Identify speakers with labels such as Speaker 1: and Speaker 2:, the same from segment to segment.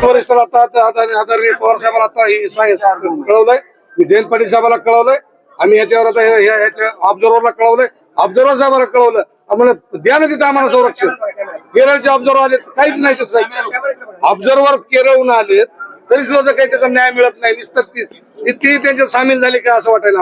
Speaker 1: वरिष्ठाला आता आदरणीय पवार साहेबांना आता ही कळवलंय, मी जयंत पाटील साहेबांना कळवलंय, आम्ही याच्यावर आता ह्याच्या ऑब्झर्व्हरला कळवलंय, ऑब्झर्व्हर साहेबांना कळवलं, आम्हाला द्या ना तिथं आम्हाला संरक्षण. केरळचे ऑब्झर्व्हर आले काहीच नाही तिथं, ऑब्झर्व्हर केरळहून आले तरी सुद्धा काही त्याचा न्याय मिळत नाही. इतकी त्यांच्यात सामील झाली का असं वाटायला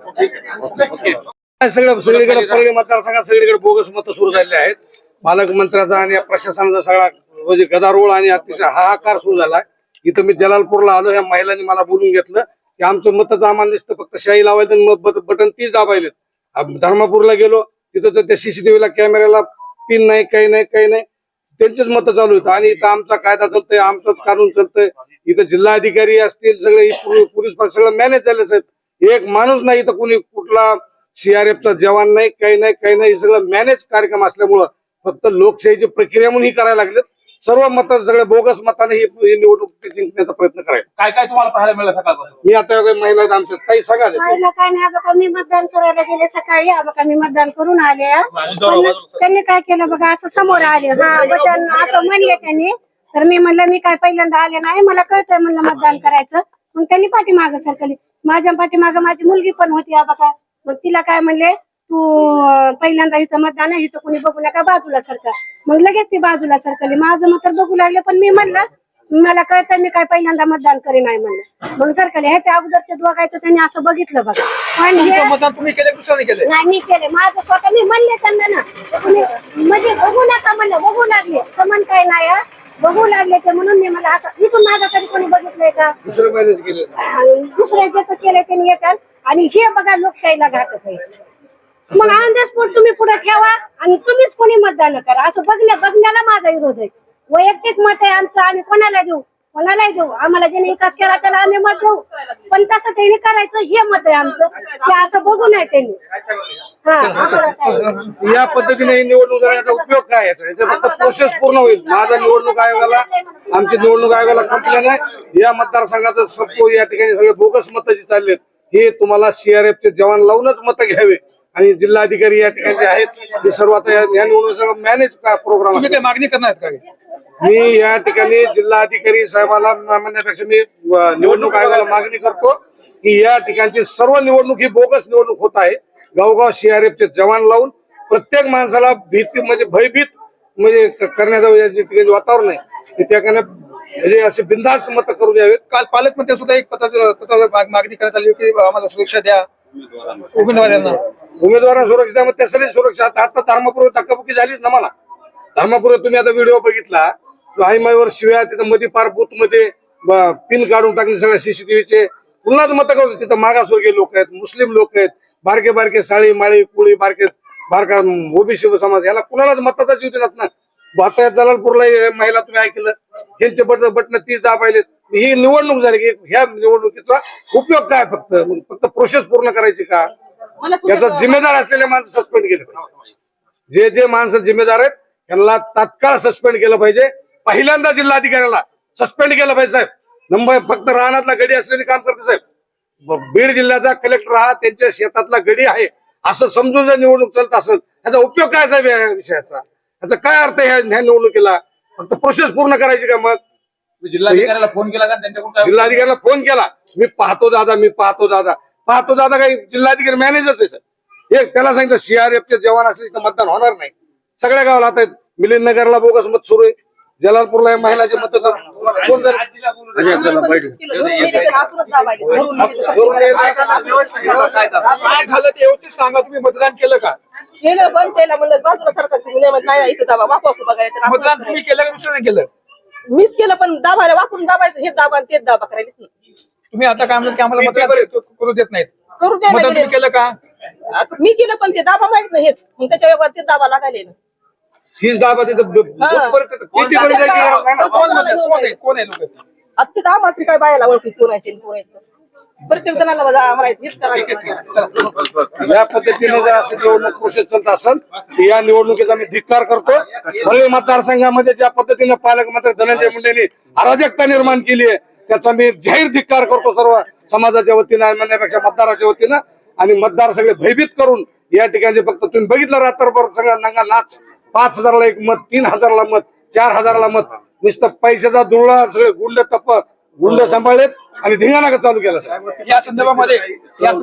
Speaker 1: आम्हाला. सगळीकडे परळी मतदारसंघात सगळीकडे बोगस मतं सुरू झालेली आहेत. पालकमंत्र्याचा आणि प्रशासनाचा सगळा म्हणजे गदारोळ आणि अतिशय हाहाकार सुरू झालाय. इथं मी जलालपूरला आलो, ह्या महिलांनी मला बोलून घेतलं की आमचं मतच आम्हाला दिसतं फक्त शाही लावायचं मत बटन तीच दाबायलेत. धर्मापूरला गेलो तिथं तर त्या सीसीटीव्हीला कॅमेऱ्याला पिन नाही, काही नाही, काही नाही, त्यांचेच मतं चालू आहेत. आणि इथं आमचा कायदा चालतंय, आमचंच कानून चालतंय. इथं जिल्हाधिकारी असतील सगळे पोलीस सगळं मॅनेज झाले साहेब. एक माणूस नाही इथं, कुणी कुठला सीआरएफचा जवान नाही, काही नाही, काही नाही. सगळं मॅनेज कार्यक्रम असल्यामुळं फक्त लोकशाहीची प्रक्रिया म्हणून ही करायला लागलेत. सर्व मत सगळे बोगस मताने ही निवडणूक जिंकण्याचा प्रयत्न करायचा.
Speaker 2: काय काय तुम्हाला पाहायला मिळालं सकाळपासून?
Speaker 1: मी आता महिला आहेत आमच्या काही सांगा.
Speaker 3: महिला काय नाही, बघा मी मतदान करायला गेले सकाळी, बघा मी मतदान करून आले. त्यांनी काय केलं बघा, असं समोर आले, हा बटन असं म्हणले त्यांनी. तर मी म्हणलं मी काय पहिल्यांदा आले नाही, मला कळतंय म्हणलं मतदान करायचं. मग त्यांनी पाठीमागं सरकली, माझ्या पाठीमागं माझी मुलगी पण होती बघा. मग तिला काय म्हणले, तू पहिल्यांदा इथं मतदान आहे, इथं कोणी बघू नका, बाजूला सरका. मग लगेच ती बाजूला सरकली. माझं मत बघू लागले, पण मी म्हणलं मला कळतं मी काय पहिल्यांदा मतदान करे नाही म्हणलं. मग सरकले. ह्याच्या अगोदरचे बघायचं त्यांनी असं बघितलं बघा. पण
Speaker 2: मतदान तुम्ही केले दुसऱ्याने केले?
Speaker 3: नाही मी केले माझं स्वतः. मी म्हणले त्यांना ना, तुम्ही म्हणजे बघू नका म्हणलं, बघू लागले समान काय नाही, बघू लागले ते म्हणून मी मला असं इथून माझा कधी कोणी बघितलंय का? दुसऱ्याचं केलं त्यांनी येतात. आणि हे बघा लोकशाहीला घातक आहे. मग अंदाजपोट तुम्ही पुढे ठेवा आणि तुम्हीच कोणी मतदान करा, असं बघण्याला माझा विरोध आहे. वैयक्तिक मत आहे आमचं, आम्ही कोणाला देऊ, कोणालाही देऊ, आम्हाला ज्याने विकास केला त्याला आम्ही मत देऊ. पण तसं त्यांनी करायचं हे मत आहे आमचं, ते असं बघू नये त्यांनी.
Speaker 1: या पद्धतीने ही निवडणूक करण्याचा उपयोग काय याचा फक्त प्रोसेस पूर्ण होईल. माझा निवडणूक आयोगाला, आमची निवडणूक आयोगाला कंप्लेंट आहे. या मतदारसंघाचं सबको या ठिकाणी सगळे बोगस मतं जी चाललेत, हे तुम्हाला सीआरएफचे जवान लावूनच मतं घ्यावे. आणि जिल्हाधिकारी या ठिकाणी आहेत, हे सर्व आता या निवडणूक सगळं मॅनेज प्रोग्राम.
Speaker 2: मागणी करणार का?
Speaker 1: मी या ठिकाणी जिल्हाधिकारी साहेबाला म्हणण्यापेक्षा मी निवडणूक आयोगाला मागणी करतो की या ठिकाणची सर्व निवडणूक ही बोगस निवडणूक होत आहे. गावगाव सीआरएफचे जवान लावून प्रत्येक माणसाला भीती म्हणजे भयभीत म्हणजे करण्याचं वातावरण आहे, त्याकडे म्हणजे असे बिनधास्त मत करू द्यावेत.
Speaker 2: काल पालकमंत्री सुद्धा एक पत्राची मागणी करण्यात आली की आम्हाला सुरक्षा द्या
Speaker 1: उमेदवारांना सुरक्षा. मग त्यासाठी सुरक्षा आता धर्मापूर्वी धक्काबुक्की झालीच ना. मला धर्मापूर्वी तुम्ही आता व्हिडिओ बघितला, आईमाईवर शिव्या, तिथं मध्ये पार बूथ मध्ये पिन काढून टाकले सगळ्या सीसीटीव्हीचे. पुन्हाच मत करू, तिथं मागासवर्गीय लोक आहेत, मुस्लिम लोक आहेत, बारके बारके साळी माळी कुळी बारका ओबीसी समाज, याला कुणालाच मताचा जीव देणार ना. आता जलालपूरला महिला तुम्ही ऐकलं, यांचे बटन तीच दाबायले. ही निवडणूक झाली की ह्या निवडणुकीचा उपयोग काय? फक्त प्रोसेस पूर्ण करायची का? याचा जिम्मेदार असलेले माणसं सस्पेंड केले पाहिजे. जे माणसं जिम्मेदार आहेत त्यांना तात्काळ सस्पेंड केलं पाहिजे. पहिल्यांदा जिल्हाधिकाऱ्याला सस्पेंड केलं पाहिजे साहेब. नंबर फक्त रानातला गडी असलेली काम करते साहेब. बीड जिल्ह्याचा कलेक्टर हा त्यांच्या शेतातला गडी आहे असं समजून जर निवडणूक चालत असेल, याचा उपयोग काय साहेब या विषयाचा? याचा काय अर्थ आहे ह्या निवडणुकीला? फक्त प्रोसेस पूर्ण करायची का? मग
Speaker 2: जिल्हाधिकाऱ्याला फोन केला का? त्यांच्याकडून
Speaker 1: जिल्हाधिकाऱ्याला फोन केला, मी पाहतो दादा काही जिल्हाधिकारी मॅनेजरच आहे सर. एक त्याला सांगितलं सीआरएफचे जवान असले तर मतदान होणार नाही. सगळ्या गावाला आता मिलिंद नगरला बोगस मत सुरू आहे, जलालपूरला महिलाचे मत. काय
Speaker 2: झालं ते व्यवस्थित सांगा. तुम्ही मतदान केलं का?
Speaker 4: केलं, पण त्याला म्हणलं बाजूला सरकार नाही इथं दाबा वापरू बघायचं.
Speaker 2: मतदान तुम्ही केलं का दुसऱ्याने केलं?
Speaker 4: मीच केलं, पण दाबायला वापरून दाबायचं, हे दाबा तेच दाबा करायला.
Speaker 2: तुम्ही आता काय म्हणत की आम्हाला मतदान करू देत नाहीत?
Speaker 4: करू द्या.
Speaker 2: मतदान तुम्ही केलं का?
Speaker 4: मी केलं, पण ते दाबा माहित नाही हेच, मग त्याच्या व्यवहार ते दाबा लागायला.
Speaker 1: हीच दाबा तिथं किती
Speaker 2: कोण आहे लोक?
Speaker 4: आता ते दाबा काय बायाला ओळखी कोणाचे प्रत्येक जणाला आम्हाला हेच करायचं.
Speaker 1: या पद्धतीने जर असं निवडणूक प्रोसेस चालत असेल तर या निवडणुकीचा मी धिक्कार करतो. परळी मतदारसंघामध्ये ज्या पद्धतीने पालकमंत्री धनंजय मुंडेंनी अराजकता निर्माण केली आहे त्याचा मी जाहीर धिक्कार करतो सर्व समाजाच्या वतीनं, म्हणण्यापेक्षा मतदाराच्या वतीनं. आणि मतदार सगळे भयभीत करून या ठिकाणी फक्त तुम्ही बघितलं रात्रभर सगळा नंगा नाच. 5,000ला एक मत, 3,000ला मत, 4,000ला मत. नुसतं पैशाचा दुरळा सगळे गुंड सांभाळलेत आणि धिंगाणा चालू केला सर.
Speaker 2: या संदर्भामध्ये